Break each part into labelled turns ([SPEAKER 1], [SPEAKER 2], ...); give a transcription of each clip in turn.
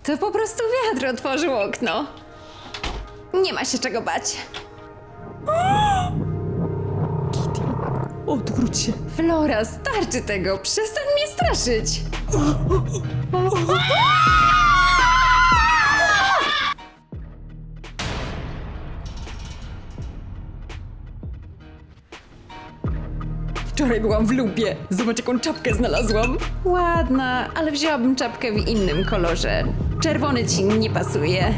[SPEAKER 1] To po prostu wiatr otworzył okno. Nie ma się czego bać.
[SPEAKER 2] Odwróć się.
[SPEAKER 1] Flora, starczy tego. Przestań mnie straszyć.
[SPEAKER 2] Wczoraj byłam w Lubie. Zobacz, jaką czapkę znalazłam.
[SPEAKER 1] Ładna, ale wzięłabym czapkę w innym kolorze. Czerwony ci nie pasuje.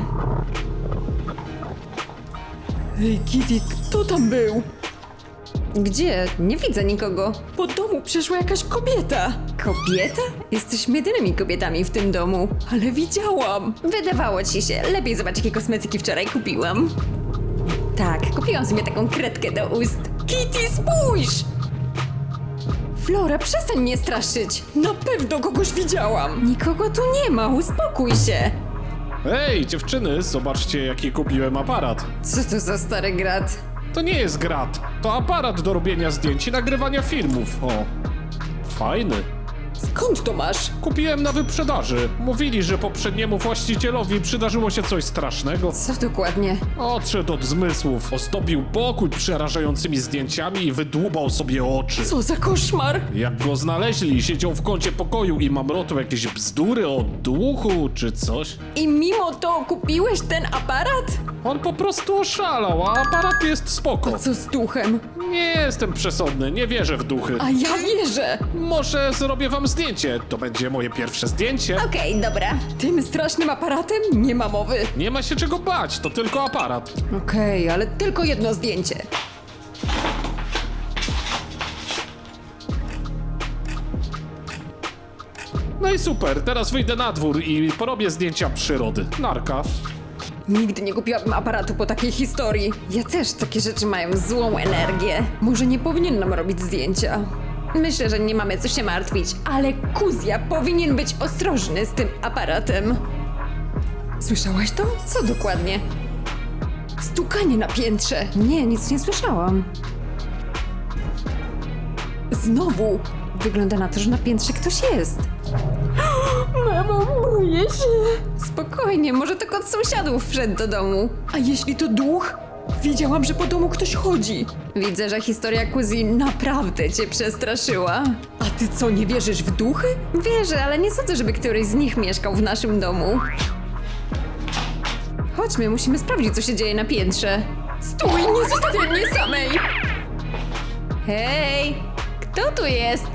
[SPEAKER 2] Ej, Kitty, kto tam był?
[SPEAKER 1] Gdzie? Nie widzę nikogo.
[SPEAKER 2] Po domu przyszła jakaś kobieta.
[SPEAKER 1] Kobieta? Jesteśmy jedynymi kobietami w tym domu.
[SPEAKER 2] Ale widziałam.
[SPEAKER 1] Wydawało ci się. Lepiej zobacz, jakie kosmetyki wczoraj kupiłam. Tak, kupiłam sobie taką kredkę do ust.
[SPEAKER 2] Kitty, spójrz!
[SPEAKER 1] Flora, przestań mnie straszyć.
[SPEAKER 2] Na pewno kogoś widziałam.
[SPEAKER 1] Nikogo tu nie ma, uspokój się.
[SPEAKER 3] Hej, dziewczyny, zobaczcie, jaki kupiłem aparat.
[SPEAKER 1] Co to za stary grat?
[SPEAKER 3] To nie jest grat, to aparat do robienia zdjęć i nagrywania filmów. O, fajny.
[SPEAKER 2] Skąd to masz?
[SPEAKER 3] Kupiłem na wyprzedaży. Mówili, że poprzedniemu właścicielowi przydarzyło się coś strasznego.
[SPEAKER 1] Co dokładnie?
[SPEAKER 3] Odszedł od zmysłów, ozdobił pokój przerażającymi zdjęciami i wydłubał sobie oczy.
[SPEAKER 2] Co za koszmar?
[SPEAKER 3] Jak go znaleźli, siedział w kącie pokoju i mamrotał jakieś bzdury o duchu czy coś.
[SPEAKER 2] I mimo to kupiłeś ten aparat?
[SPEAKER 3] On po prostu oszalał, a aparat jest spoko.
[SPEAKER 2] Co z duchem?
[SPEAKER 3] Nie jestem przesądny, nie wierzę w duchy.
[SPEAKER 2] A ja wierzę.
[SPEAKER 3] Może zrobię wam zdjęcie. To będzie moje pierwsze zdjęcie.
[SPEAKER 1] Okej, dobra.
[SPEAKER 2] Tym strasznym aparatem nie ma mowy.
[SPEAKER 3] Nie ma się czego bać, to tylko aparat.
[SPEAKER 2] Okej, ale tylko jedno zdjęcie.
[SPEAKER 3] No i super, teraz wyjdę na dwór i porobię zdjęcia przyrody. Narka.
[SPEAKER 2] Nigdy nie kupiłabym aparatu po takiej historii.
[SPEAKER 1] Ja też takie rzeczy mają złą energię.
[SPEAKER 2] Może nie powinienem robić zdjęcia.
[SPEAKER 1] Myślę, że nie mamy co się martwić, ale Kuzja powinien być ostrożny z tym aparatem.
[SPEAKER 2] Słyszałaś to?
[SPEAKER 1] Co dokładnie?
[SPEAKER 2] Stukanie na piętrze.
[SPEAKER 1] Nie, nic nie słyszałam.
[SPEAKER 2] Znowu.
[SPEAKER 1] Wygląda na to, że na piętrze ktoś jest.
[SPEAKER 2] Mamo, boję się.
[SPEAKER 1] Spokojnie, może to kot sąsiadów wszedł do domu.
[SPEAKER 2] A jeśli to duch? Wiedziałam, że po domu ktoś chodzi.
[SPEAKER 1] Widzę, że historia Kuzi naprawdę cię przestraszyła.
[SPEAKER 2] A ty co, nie wierzysz w duchy?
[SPEAKER 1] Wierzę, ale nie sądzę, żeby któryś z nich mieszkał w naszym domu. Chodźmy, musimy sprawdzić, co się dzieje na piętrze.
[SPEAKER 2] Stój, nie zostawiaj mnie samej!
[SPEAKER 1] Hej! Kto tu jest?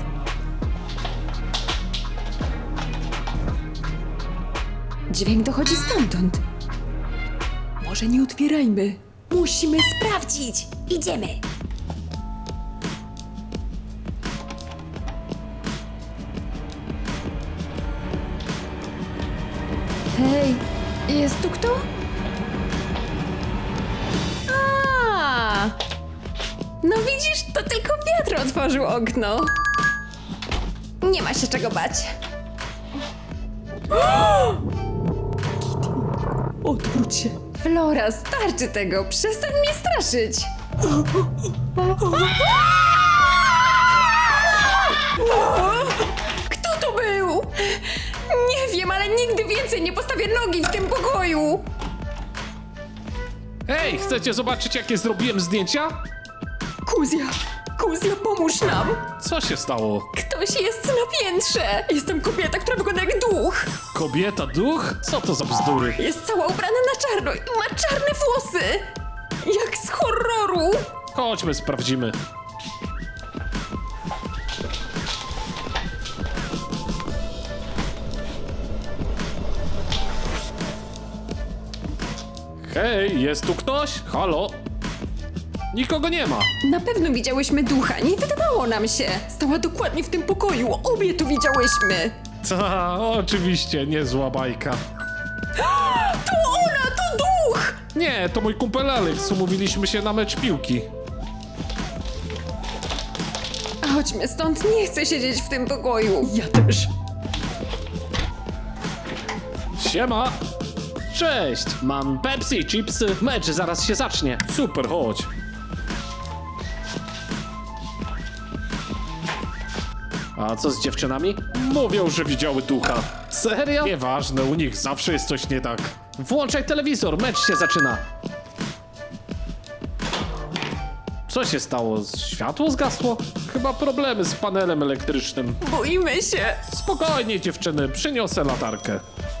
[SPEAKER 2] Dźwięk dochodzi stamtąd. Może nie otwierajmy. Musimy sprawdzić.
[SPEAKER 1] Idziemy.
[SPEAKER 2] Hej, jest tu kto?
[SPEAKER 1] A! No widzisz, to tylko wiatr otworzył okno. Nie ma się czego bać.
[SPEAKER 2] Odwróć się.
[SPEAKER 1] Flora, starczy tego. Przestań mnie straszyć.
[SPEAKER 2] Kto to był?
[SPEAKER 1] Nie wiem, ale nigdy więcej nie postawię nogi w tym pokoju.
[SPEAKER 3] Hej, chcecie zobaczyć, jakie zrobiłem zdjęcia?
[SPEAKER 2] Kuzja, pomóż nam.
[SPEAKER 3] Co się stało?
[SPEAKER 1] Ktoś jest na piętrze.
[SPEAKER 2] Jestem kobieta, która wygląda jak duch.
[SPEAKER 3] Kobieta, duch? Co to za bzdury?
[SPEAKER 1] Jest cała ubrana na czarno i ma czarne włosy.
[SPEAKER 2] Jak z horroru.
[SPEAKER 3] Chodźmy, sprawdzimy. Hej, jest tu ktoś? Halo? Nikogo nie ma.
[SPEAKER 1] Na pewno widziałyśmy ducha, nie wydawało nam się.
[SPEAKER 2] Stała dokładnie w tym pokoju. Obie tu widziałyśmy.
[SPEAKER 3] Ta, oczywiście, niezła bajka.
[SPEAKER 2] To ona, to duch!
[SPEAKER 3] Nie, to mój kumpel Alex, umówiliśmy się na mecz piłki.
[SPEAKER 1] Chodźmy stąd, nie chcę siedzieć w tym pokoju.
[SPEAKER 2] Ja też.
[SPEAKER 3] Siema!
[SPEAKER 4] Cześć, mam Pepsi, chipsy, mecz zaraz się zacznie.
[SPEAKER 3] Super, chodź.
[SPEAKER 4] A co z dziewczynami?
[SPEAKER 3] Mówią, że widziały ducha.
[SPEAKER 4] Serio?
[SPEAKER 3] Nieważne, u nich zawsze jest coś nie tak.
[SPEAKER 4] Włączaj telewizor, mecz się zaczyna. Co się stało? Światło zgasło?
[SPEAKER 3] Chyba problemy z panelem elektrycznym.
[SPEAKER 2] Boimy się.
[SPEAKER 3] Spokojnie, dziewczyny, przyniosę latarkę.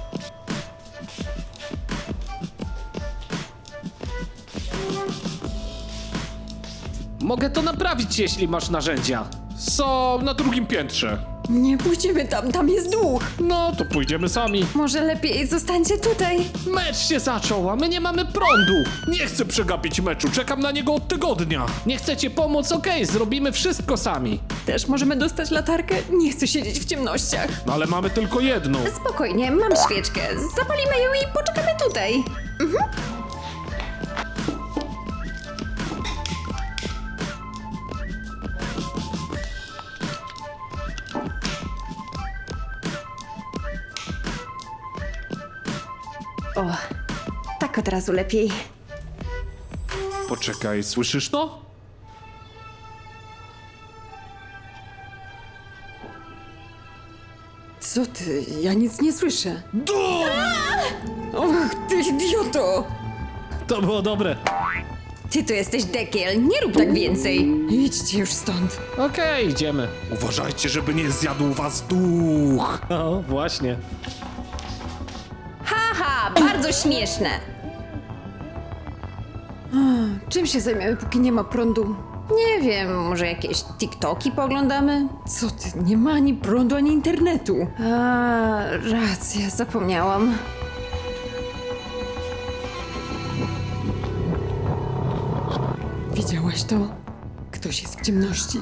[SPEAKER 4] Mogę to naprawić, jeśli masz narzędzia.
[SPEAKER 3] Są na drugim piętrze.
[SPEAKER 2] Nie pójdziemy tam jest duch.
[SPEAKER 3] No, to pójdziemy sami.
[SPEAKER 1] Może lepiej zostańcie tutaj.
[SPEAKER 4] Mecz się zaczął, a my nie mamy prądu.
[SPEAKER 3] Nie chcę przegapić meczu, czekam na niego od tygodnia.
[SPEAKER 4] Nie chcecie pomóc? Okej, zrobimy wszystko sami.
[SPEAKER 2] Też możemy dostać latarkę? Nie chcę siedzieć w ciemnościach.
[SPEAKER 3] No ale mamy tylko jedną.
[SPEAKER 1] Spokojnie, mam świeczkę. Zapalimy ją i poczekamy tutaj. O, tak od razu lepiej.
[SPEAKER 3] Poczekaj, słyszysz to?
[SPEAKER 2] Co ty? Ja nic nie słyszę.
[SPEAKER 3] Dum!
[SPEAKER 2] Och, ty idioto!
[SPEAKER 4] To było dobre.
[SPEAKER 1] Ty to jesteś dekiel, nie rób tak więcej.
[SPEAKER 2] Idźcie już stąd.
[SPEAKER 4] Okej, idziemy.
[SPEAKER 3] Uważajcie, żeby nie zjadł was duch.
[SPEAKER 4] O, właśnie.
[SPEAKER 1] Haha, bardzo śmieszne.
[SPEAKER 2] Czym się zajmiemy, póki nie ma prądu?
[SPEAKER 1] Nie wiem, może jakieś TikToki pooglądamy?
[SPEAKER 2] Co ty? Nie ma ani prądu, ani internetu.
[SPEAKER 1] A, racja, zapomniałam.
[SPEAKER 2] Widziałaś to? Ktoś jest w ciemności.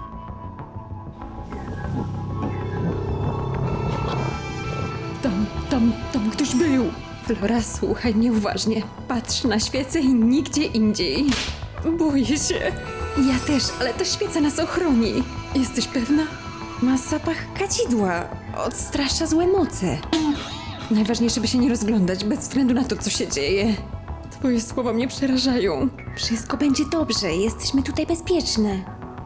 [SPEAKER 2] Tam ktoś był.
[SPEAKER 1] Flora, słuchaj mnie uważnie. Patrz na świecę i nigdzie indziej.
[SPEAKER 2] Boję się.
[SPEAKER 1] Ja też, ale ta świeca nas ochroni.
[SPEAKER 2] Jesteś pewna?
[SPEAKER 1] Ma zapach kadzidła. Odstrasza złe moce.
[SPEAKER 2] Najważniejsze, by się nie rozglądać, bez względu na to, co się dzieje. Twoje słowa mnie przerażają.
[SPEAKER 1] Wszystko będzie dobrze, jesteśmy tutaj bezpieczne.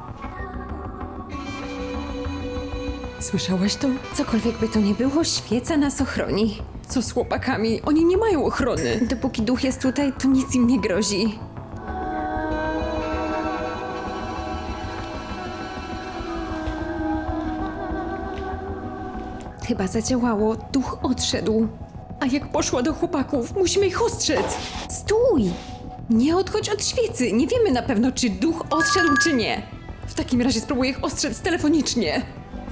[SPEAKER 2] Słyszałaś to?
[SPEAKER 1] Cokolwiek by to nie było, świeca nas ochroni.
[SPEAKER 2] Co z chłopakami? Oni nie mają ochrony.
[SPEAKER 1] Dopóki duch jest tutaj, to nic im nie grozi. Chyba zadziałało, duch odszedł.
[SPEAKER 2] A jak poszła do chłopaków? Musimy ich ostrzec.
[SPEAKER 1] Stój!
[SPEAKER 2] Nie odchodź od świecy. Nie wiemy na pewno, czy duch odszedł, czy nie. W takim razie spróbuję ich ostrzec telefonicznie.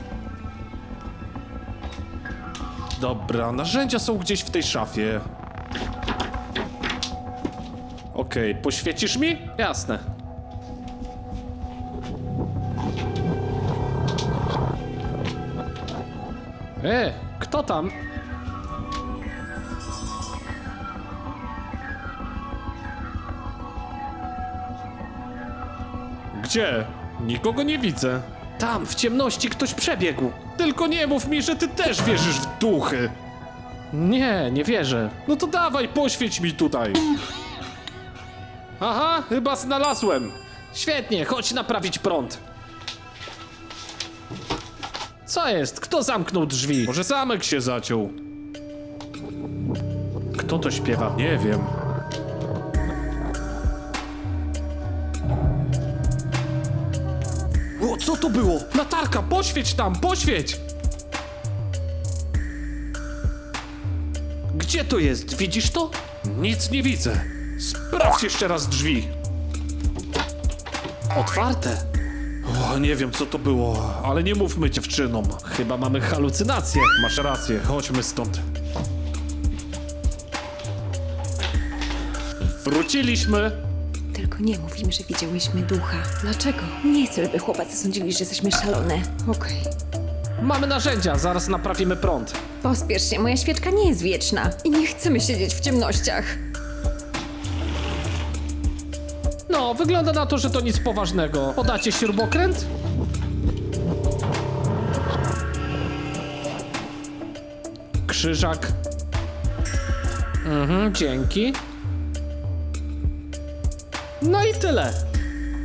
[SPEAKER 3] Dobra, narzędzia są gdzieś w tej szafie. Okej, poświecisz mi?
[SPEAKER 4] Jasne. Kto tam?
[SPEAKER 3] Gdzie? Nikogo nie widzę.
[SPEAKER 4] Tam, w ciemności ktoś przebiegł.
[SPEAKER 3] Tylko nie mów mi, że ty też wierzysz w duchy.
[SPEAKER 4] Nie, nie wierzę.
[SPEAKER 3] No to dawaj, poświeć mi tutaj. Aha, chyba znalazłem.
[SPEAKER 4] Świetnie, chodź naprawić prąd. Co jest? Kto zamknął drzwi?
[SPEAKER 3] Może zamek się zaciął. Kto to śpiewa? Nie wiem. O, co to było? Latarka, poświeć tam, poświeć!
[SPEAKER 4] Gdzie to jest? Widzisz to?
[SPEAKER 3] Nic nie widzę. Sprawdź jeszcze raz drzwi.
[SPEAKER 4] Otwarte.
[SPEAKER 3] O, nie wiem co to było, ale nie mówmy dziewczynom.
[SPEAKER 4] Chyba mamy halucynacje.
[SPEAKER 3] Masz rację, chodźmy stąd. Wróciliśmy.
[SPEAKER 1] Tylko nie mów im, że widziałyśmy ducha.
[SPEAKER 2] Dlaczego?
[SPEAKER 1] Nie chcę, żeby chłopacy sądzili, że jesteśmy szalone.
[SPEAKER 2] Okej.
[SPEAKER 4] Mamy narzędzia, zaraz naprawimy prąd.
[SPEAKER 1] Pospiesz się, moja świeczka nie jest wieczna.
[SPEAKER 2] I nie chcemy siedzieć w ciemnościach.
[SPEAKER 4] No, wygląda na to, że to nic poważnego. Podacie śrubokręt? Krzyżak. Dzięki. No i tyle.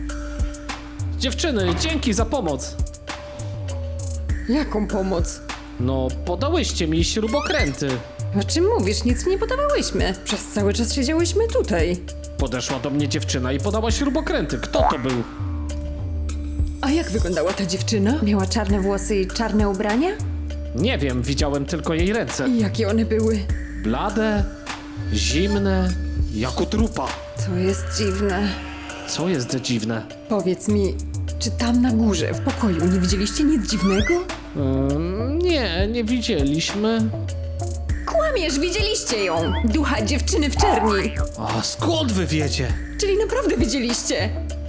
[SPEAKER 4] Dziewczyny, dzięki za pomoc.
[SPEAKER 2] Jaką pomoc?
[SPEAKER 4] No, podałyście mi śrubokręty.
[SPEAKER 2] O czym mówisz? Nic nie podawałyśmy. Przez cały czas siedziałyśmy tutaj.
[SPEAKER 4] Podeszła do mnie dziewczyna i podała śrubokręty. Kto to był?
[SPEAKER 2] A jak wyglądała ta dziewczyna?
[SPEAKER 1] Miała czarne włosy i czarne ubrania?
[SPEAKER 4] Nie wiem, widziałem tylko jej ręce.
[SPEAKER 2] I jakie one były?
[SPEAKER 4] Blade, zimne, jak u trupa.
[SPEAKER 2] To jest dziwne.
[SPEAKER 4] Co jest dziwne?
[SPEAKER 2] Powiedz mi, czy tam na górze, w pokoju, nie widzieliście nic dziwnego?
[SPEAKER 4] Nie widzieliśmy.
[SPEAKER 2] Kłamiesz, widzieliście ją! Ducha dziewczyny w czerni!
[SPEAKER 4] A skąd wy wiecie?
[SPEAKER 2] Czyli naprawdę widzieliście!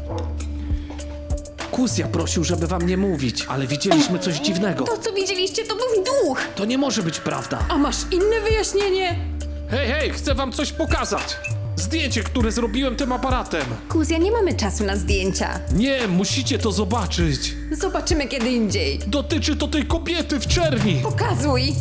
[SPEAKER 4] Kuzja prosił, żeby wam nie mówić, ale widzieliśmy coś dziwnego.
[SPEAKER 2] To, co widzieliście, to był duch!
[SPEAKER 4] To nie może być prawda.
[SPEAKER 2] A masz inne wyjaśnienie?
[SPEAKER 3] Hej, chcę wam coś pokazać. Zdjęcie, które zrobiłem tym aparatem.
[SPEAKER 1] Kuzja, nie mamy czasu na zdjęcia.
[SPEAKER 3] Nie, musicie to zobaczyć.
[SPEAKER 2] Zobaczymy kiedy indziej.
[SPEAKER 3] Dotyczy to tej kobiety w czerni.
[SPEAKER 2] Pokazuj!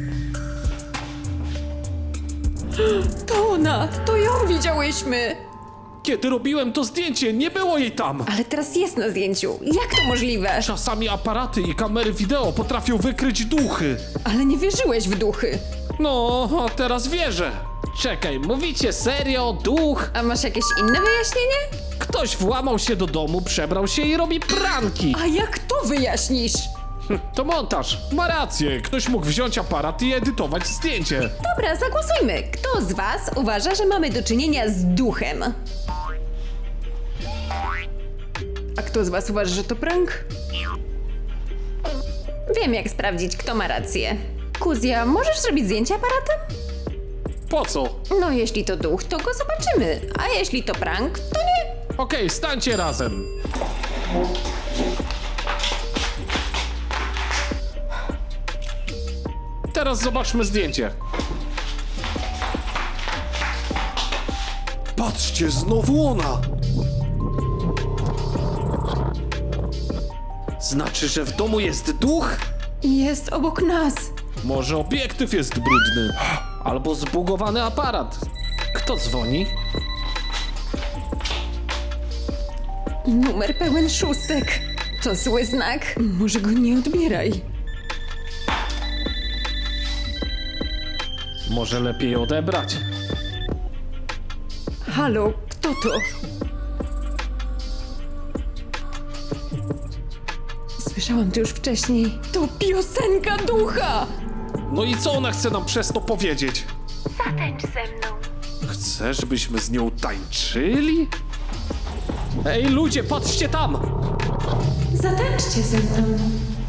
[SPEAKER 2] To ona! To ją widziałyśmy!
[SPEAKER 3] Kiedy robiłem to zdjęcie, nie było jej tam.
[SPEAKER 2] Ale teraz jest na zdjęciu. Jak to możliwe?
[SPEAKER 3] Czasami aparaty i kamery wideo potrafią wykryć duchy.
[SPEAKER 2] Ale nie wierzyłeś w duchy.
[SPEAKER 3] No, a teraz wierzę.
[SPEAKER 4] Czekaj, mówicie serio? Duch?
[SPEAKER 2] A masz jakieś inne wyjaśnienie?
[SPEAKER 4] Ktoś włamał się do domu, przebrał się i robi pranki.
[SPEAKER 2] A jak to wyjaśnisz?
[SPEAKER 3] To montaż. Ma rację, ktoś mógł wziąć aparat i edytować zdjęcie.
[SPEAKER 1] Dobra, zagłosujmy. Kto z was uważa, że mamy do czynienia z duchem?
[SPEAKER 2] A kto z was uważa, że to prank?
[SPEAKER 1] Wiem, jak sprawdzić, kto ma rację. Kuzja, możesz zrobić zdjęcie aparatem?
[SPEAKER 3] Po co?
[SPEAKER 1] No, jeśli to duch, to go zobaczymy. A jeśli to prank, to nie.
[SPEAKER 3] Okej, stańcie razem. Teraz zobaczmy zdjęcie. Patrzcie, znowu ona!
[SPEAKER 4] Znaczy, że w domu jest duch?
[SPEAKER 2] Jest obok nas.
[SPEAKER 3] Może obiektyw jest brudny.
[SPEAKER 4] Albo zbugowany aparat. Kto dzwoni?
[SPEAKER 2] Numer pełen szóstek. To zły znak. Może go nie odbieraj.
[SPEAKER 4] Może lepiej odebrać.
[SPEAKER 2] Halo, kto to? Słyszałam to już wcześniej. To piosenka ducha!
[SPEAKER 3] No i co ona chce nam przez to powiedzieć?
[SPEAKER 1] Zatańcz ze mną.
[SPEAKER 3] Chce, żebyśmy z nią tańczyli?
[SPEAKER 4] Ej, ludzie, patrzcie tam!
[SPEAKER 1] Zatańczcie ze mną.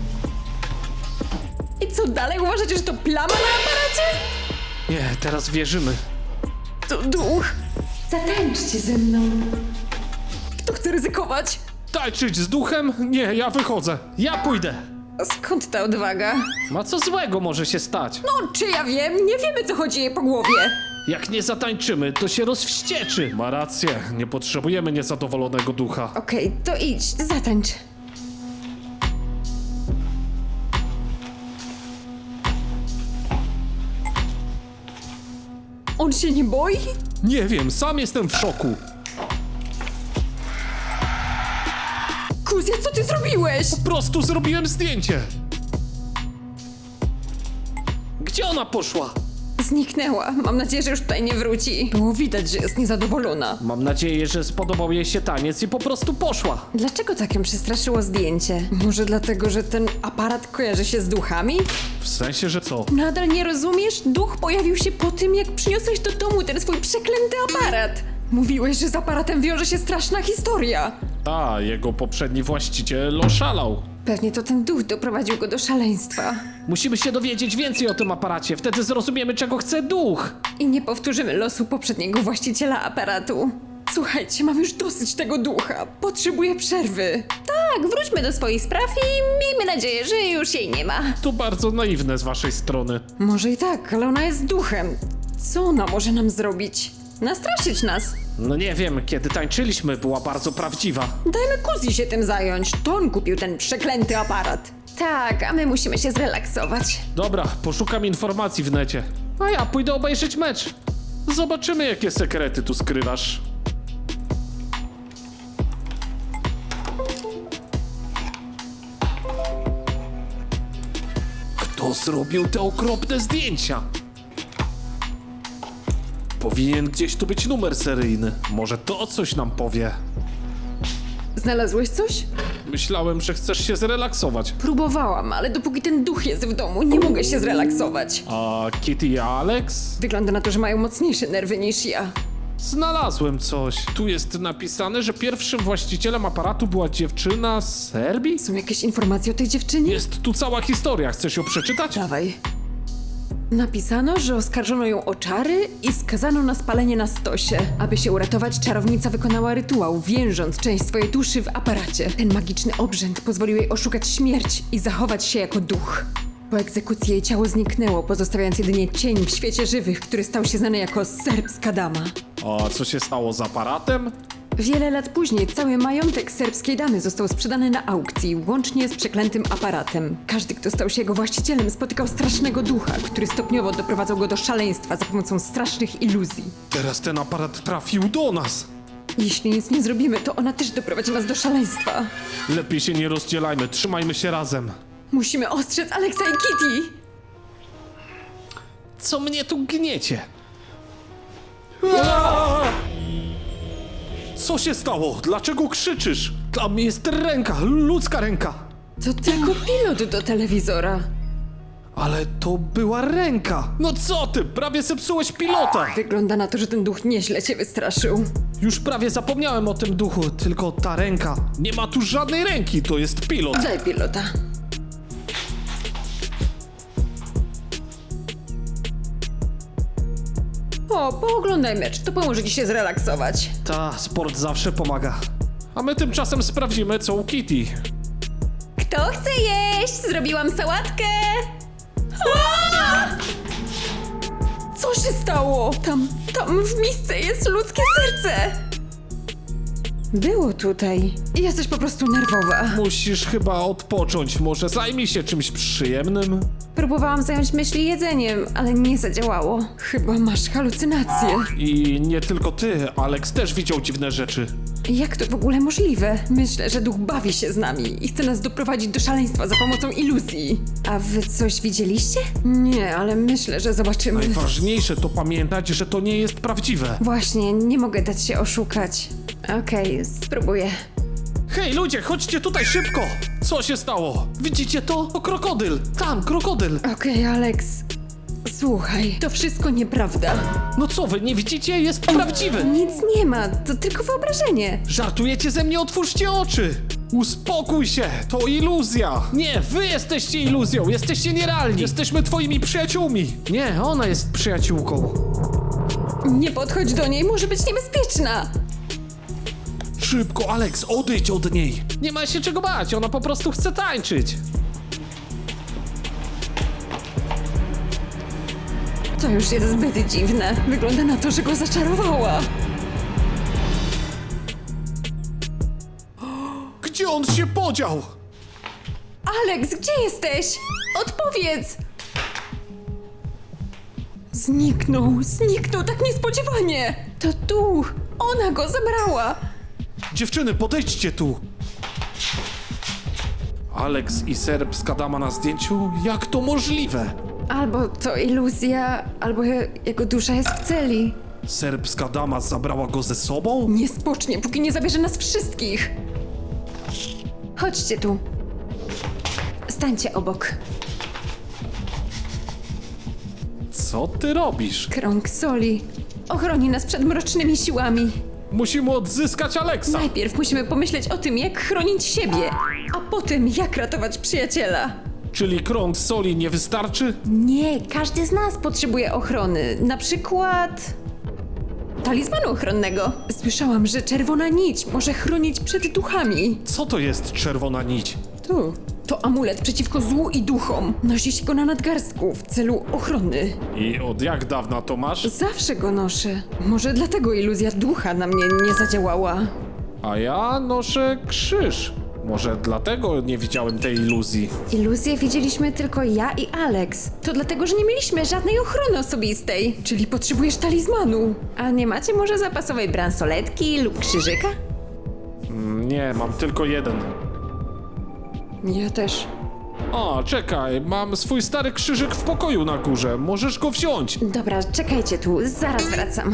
[SPEAKER 2] I co dalej? Uważacie, że to plama na aparacie?
[SPEAKER 3] Nie, teraz wierzymy.
[SPEAKER 2] To duch.
[SPEAKER 1] Zatańczcie ze mną.
[SPEAKER 2] Kto chce ryzykować?
[SPEAKER 3] Tańczyć z duchem? Nie, ja wychodzę.
[SPEAKER 4] Ja pójdę.
[SPEAKER 2] A skąd ta odwaga?
[SPEAKER 4] Ma co złego może się stać?
[SPEAKER 2] No, czy ja wiem? Nie wiemy, co chodzi jej po głowie.
[SPEAKER 4] Jak nie zatańczymy, to się rozwścieczy.
[SPEAKER 3] Ma rację, nie potrzebujemy niezadowolonego ducha.
[SPEAKER 2] Okej, to idź, zatańcz. On się nie boi?
[SPEAKER 3] Nie wiem, sam jestem w szoku.
[SPEAKER 2] Kuzja, co ty zrobiłeś?
[SPEAKER 3] Po prostu zrobiłem zdjęcie.
[SPEAKER 4] Gdzie ona poszła?
[SPEAKER 2] Zniknęła. Mam nadzieję, że już tutaj nie wróci. Było widać, że jest niezadowolona.
[SPEAKER 4] Mam nadzieję, że spodobał jej się taniec i po prostu poszła.
[SPEAKER 2] Dlaczego tak ją przestraszyło zdjęcie? Może dlatego, że ten aparat kojarzy się z duchami?
[SPEAKER 3] W sensie, że co?
[SPEAKER 2] Nadal nie rozumiesz? Duch pojawił się po tym, jak przyniosłeś do domu ten swój przeklęty aparat. Mówiłeś, że z aparatem wiąże się straszna historia.
[SPEAKER 3] A, jego poprzedni właściciel oszalał.
[SPEAKER 2] Pewnie to ten duch doprowadził go do szaleństwa.
[SPEAKER 4] Musimy się dowiedzieć więcej o tym aparacie, wtedy zrozumiemy, czego chce duch.
[SPEAKER 2] I nie powtórzymy losu poprzedniego właściciela aparatu. Słuchajcie, mam już dosyć tego ducha. Potrzebuję przerwy.
[SPEAKER 1] Tak, wróćmy do swoich spraw i miejmy nadzieję, że już jej nie ma.
[SPEAKER 3] To bardzo naiwne z waszej strony.
[SPEAKER 2] Może i tak, ale ona jest duchem. Co ona może nam zrobić? Nastraszyć nas.
[SPEAKER 4] No nie wiem, kiedy tańczyliśmy, była bardzo prawdziwa.
[SPEAKER 2] Dajmy Kuzji się tym zająć. To on kupił ten przeklęty aparat.
[SPEAKER 1] Tak, a my musimy się zrelaksować.
[SPEAKER 3] Dobra, poszukam informacji w necie.
[SPEAKER 4] A ja pójdę obejrzeć mecz.
[SPEAKER 3] Zobaczymy, jakie sekrety tu skrywasz. Kto Kto zrobił te okropne zdjęcia? Powinien gdzieś tu być numer seryjny. Może to coś nam powie.
[SPEAKER 2] Znalazłeś coś?
[SPEAKER 3] Myślałem, że chcesz się zrelaksować.
[SPEAKER 2] Próbowałam, ale dopóki ten duch jest w domu, nie mogę się zrelaksować.
[SPEAKER 3] A Kitty i Alex?
[SPEAKER 2] Wygląda na to, że mają mocniejsze nerwy niż ja.
[SPEAKER 3] Znalazłem coś. Tu jest napisane, że pierwszym właścicielem aparatu była dziewczyna z Serbii?
[SPEAKER 2] Są jakieś informacje o tej dziewczynie?
[SPEAKER 3] Jest tu cała historia. Chcesz ją przeczytać?
[SPEAKER 2] Dawaj. Napisano, że oskarżono ją o czary i skazano na spalenie na stosie. Aby się uratować, czarownica wykonała rytuał, więząc część swojej duszy w aparacie. Ten magiczny obrzęd pozwolił jej oszukać śmierć i zachować się jako duch. Po egzekucji jej ciało zniknęło, pozostawiając jedynie cień w świecie żywych, który stał się znany jako serbska dama.
[SPEAKER 3] A co się stało z aparatem?
[SPEAKER 2] Wiele lat później cały majątek serbskiej damy został sprzedany na aukcji, łącznie z przeklętym aparatem. Każdy, kto stał się jego właścicielem, spotykał strasznego ducha, który stopniowo doprowadzał go do szaleństwa za pomocą strasznych iluzji.
[SPEAKER 3] Teraz ten aparat trafił do nas.
[SPEAKER 2] Jeśli nic nie zrobimy, to ona też doprowadzi nas do szaleństwa.
[SPEAKER 3] Lepiej się nie rozdzielajmy, trzymajmy się razem.
[SPEAKER 2] Musimy ostrzec Alexa i Kitty!
[SPEAKER 3] Co mnie tu gniecie? Co się stało? Dlaczego krzyczysz? Tam jest ręka, ludzka ręka.
[SPEAKER 2] To tylko pilot do telewizora.
[SPEAKER 3] Ale to była ręka. No co ty? Prawie zepsułeś pilota.
[SPEAKER 2] Wygląda na to, że ten duch nieźle cię wystraszył.
[SPEAKER 3] Już prawie zapomniałem o tym duchu, tylko ta ręka. Nie ma tu żadnej ręki, to jest pilot.
[SPEAKER 2] Daj pilota. O, pooglądaj mecz, to pomoże ci się zrelaksować.
[SPEAKER 3] Ta, sport zawsze pomaga. A my tymczasem sprawdzimy, co u Kitty.
[SPEAKER 1] Kto chce jeść? Zrobiłam sałatkę!
[SPEAKER 2] Co się stało? Tam w misce jest ludzkie serce! Było tutaj. Jesteś po prostu nerwowa.
[SPEAKER 3] Musisz chyba odpocząć, może zajmij się czymś przyjemnym?
[SPEAKER 1] Próbowałam zająć myśli jedzeniem, ale nie zadziałało.
[SPEAKER 2] Chyba masz halucynacje.
[SPEAKER 3] I nie tylko ty, Alex też widział dziwne rzeczy.
[SPEAKER 2] Jak to w ogóle możliwe? Myślę, że duch bawi się z nami i chce nas doprowadzić do szaleństwa za pomocą iluzji.
[SPEAKER 1] A wy coś widzieliście?
[SPEAKER 2] Nie, ale myślę, że zobaczymy.
[SPEAKER 3] Najważniejsze to pamiętać, że to nie jest prawdziwe.
[SPEAKER 1] Właśnie, nie mogę dać się oszukać. Okej, spróbuję.
[SPEAKER 3] Hej ludzie, chodźcie tutaj szybko! Co się stało? Widzicie to? To krokodyl! Tam, krokodyl!
[SPEAKER 2] Okej, Alex. Słuchaj, to wszystko nieprawda.
[SPEAKER 3] No co wy, nie widzicie? Jest prawdziwy!
[SPEAKER 1] Nic nie ma, to tylko wyobrażenie.
[SPEAKER 3] Żartujecie ze mnie? Otwórzcie oczy! Uspokój się, to iluzja! Nie, wy jesteście iluzją, jesteście nierealni! Jesteśmy twoimi przyjaciółmi! Nie, ona jest przyjaciółką.
[SPEAKER 2] Nie podchodź do niej, może być niebezpieczna.
[SPEAKER 3] Szybko, Alex, odejdź od niej! Nie ma się czego bać, ona po prostu chce tańczyć!
[SPEAKER 2] To już jest zbyt dziwne. Wygląda na to, że go zaczarowała.
[SPEAKER 3] Gdzie on się podział?
[SPEAKER 2] Alex, gdzie jesteś? Odpowiedz! Zniknął tak niespodziewanie. To duch, ona go zabrała.
[SPEAKER 3] Dziewczyny, podejdźcie tu! Alex i serbska dama na zdjęciu? Jak to możliwe?
[SPEAKER 2] Albo to iluzja, albo jego dusza jest w celi.
[SPEAKER 3] Serbska dama zabrała go ze sobą?
[SPEAKER 2] Nie spocznie, póki nie zabierze nas wszystkich.
[SPEAKER 1] Chodźcie tu. Stańcie obok.
[SPEAKER 3] Co ty robisz?
[SPEAKER 2] Krąg soli ochroni nas przed mrocznymi siłami.
[SPEAKER 3] Musimy odzyskać Alexa!
[SPEAKER 2] Najpierw musimy pomyśleć o tym, jak chronić siebie, a potem jak ratować przyjaciela.
[SPEAKER 3] Czyli krąg soli nie wystarczy?
[SPEAKER 1] Nie, każdy z nas potrzebuje ochrony. Na przykład... talizmanu ochronnego.
[SPEAKER 2] Słyszałam, że czerwona nić może chronić przed duchami.
[SPEAKER 3] Co to jest czerwona nić?
[SPEAKER 2] Tu. To amulet przeciwko złu i duchom. Nosi się go na nadgarstku w celu ochrony.
[SPEAKER 3] I od jak dawna to masz?
[SPEAKER 2] Zawsze go noszę. Może dlatego iluzja ducha na mnie nie zadziałała.
[SPEAKER 3] A ja noszę krzyż. Może dlatego nie widziałem tej iluzji.
[SPEAKER 1] Iluzję widzieliśmy tylko ja i Alex. To dlatego, że nie mieliśmy żadnej ochrony osobistej.
[SPEAKER 2] Czyli potrzebujesz talizmanu.
[SPEAKER 1] A nie macie może zapasowej bransoletki lub krzyżyka?
[SPEAKER 3] Nie, mam tylko jeden.
[SPEAKER 2] Ja też.
[SPEAKER 3] O, czekaj, mam swój stary krzyżyk w pokoju na górze. Możesz go wziąć.
[SPEAKER 1] Dobra, czekajcie tu, zaraz wracam.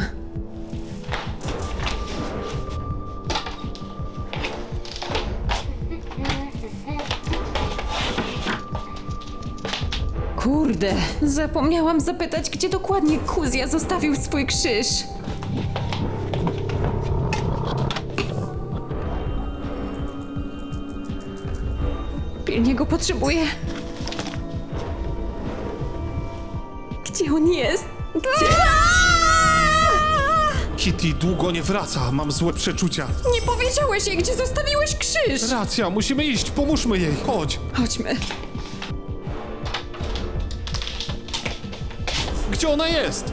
[SPEAKER 2] Kurde, zapomniałam zapytać, gdzie dokładnie Kuzja zostawił swój krzyż. Pilnie go potrzebuję. Gdzie on jest?
[SPEAKER 3] Kitty długo nie wraca, mam złe przeczucia.
[SPEAKER 2] Nie powiedziałeś jej, gdzie zostawiłeś krzyż!
[SPEAKER 3] Racja, musimy iść, pomóżmy jej, chodź.
[SPEAKER 2] Chodźmy.
[SPEAKER 3] Gdzie ona jest?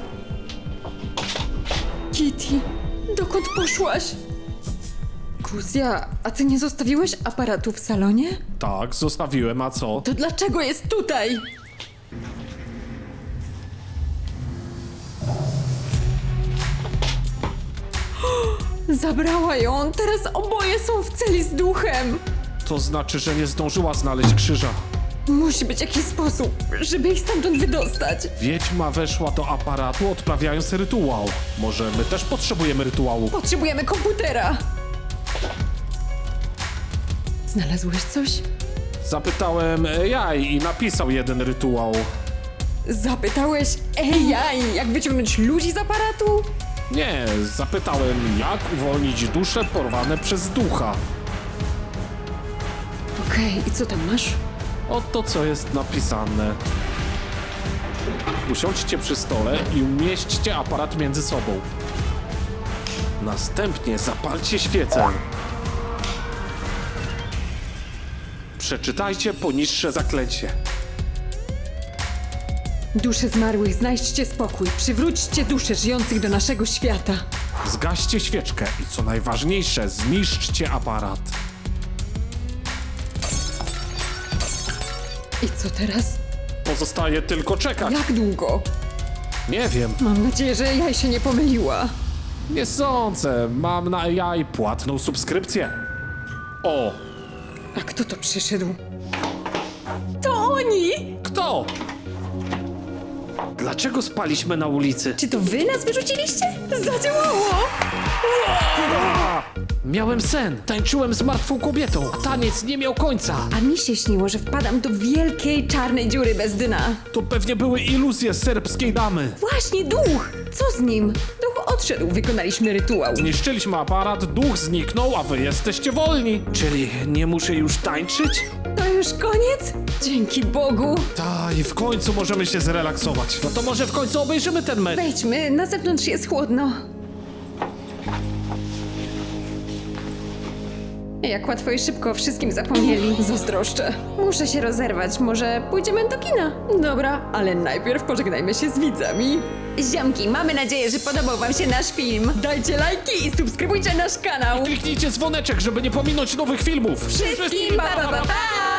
[SPEAKER 2] Kitty, dokąd poszłaś? Kuzja, a ty nie zostawiłeś aparatu w salonie?
[SPEAKER 3] Tak, zostawiłem, a co?
[SPEAKER 2] To dlaczego jest tutaj? Zabrała ją, teraz oboje są w celi z duchem.
[SPEAKER 3] To znaczy, że nie zdążyła znaleźć krzyża.
[SPEAKER 2] Musi być jakiś sposób, żeby ich stamtąd wydostać.
[SPEAKER 3] Wiedźma weszła do aparatu, odprawiając rytuał. Może my też potrzebujemy rytuału?
[SPEAKER 2] Potrzebujemy komputera. Znalazłeś coś?
[SPEAKER 3] Zapytałem AI i napisał jeden rytuał.
[SPEAKER 2] Zapytałeś AI, jak wyciągnąć ludzi z aparatu?
[SPEAKER 3] Nie, zapytałem, jak uwolnić dusze porwane przez ducha.
[SPEAKER 2] Okej, i co tam masz?
[SPEAKER 3] Oto co jest napisane. Usiądźcie przy stole i umieśćcie aparat między sobą. Następnie zapalcie świecę. Przeczytajcie poniższe zaklęcie.
[SPEAKER 2] Dusze zmarłych, znajdźcie spokój. Przywróćcie dusze żyjących do naszego świata.
[SPEAKER 3] Zgaście świeczkę i co najważniejsze, zniszczcie aparat.
[SPEAKER 2] I co teraz?
[SPEAKER 3] Pozostaje tylko czekać.
[SPEAKER 2] Jak długo?
[SPEAKER 3] Nie wiem,
[SPEAKER 2] Mam nadzieję, że AI się nie pomyliła.
[SPEAKER 3] nie sądzę. Mam na AI płatną subskrypcję. O,
[SPEAKER 2] A kto to przyszedł? To oni!
[SPEAKER 3] kto?
[SPEAKER 4] Dlaczego spaliśmy na ulicy?
[SPEAKER 1] Czy to wy nas wyrzuciliście?
[SPEAKER 2] Zadziałało!
[SPEAKER 4] Miałem sen. Tańczyłem z martwą kobietą. Taniec nie miał końca.
[SPEAKER 1] A mi się śniło, że wpadam do wielkiej czarnej dziury bez dna.
[SPEAKER 3] To pewnie były iluzje serbskiej damy.
[SPEAKER 1] Właśnie duch! Co z nim?
[SPEAKER 2] Duch odszedł, wykonaliśmy rytuał.
[SPEAKER 3] Zniszczyliśmy aparat, duch zniknął, a wy jesteście wolni.
[SPEAKER 4] Czyli nie muszę już tańczyć?
[SPEAKER 2] To już koniec? Dzięki Bogu!
[SPEAKER 3] Ta, i w końcu możemy się zrelaksować.
[SPEAKER 4] No to może w końcu obejrzymy ten mecz.
[SPEAKER 1] Wejdźmy, na zewnątrz jest chłodno. Jak łatwo i szybko o wszystkim zapomnieli.
[SPEAKER 2] Zazdroszczę.
[SPEAKER 1] Muszę się rozerwać, może pójdziemy do kina?
[SPEAKER 2] Dobra, ale najpierw pożegnajmy się z widzami.
[SPEAKER 1] Ziomki, mamy nadzieję, że podobał wam się nasz film.
[SPEAKER 2] Dajcie lajki i subskrybujcie nasz kanał.
[SPEAKER 3] Kliknijcie dzwoneczek, żeby nie pominąć nowych filmów.
[SPEAKER 1] Wszystkim pa pa pa! pa!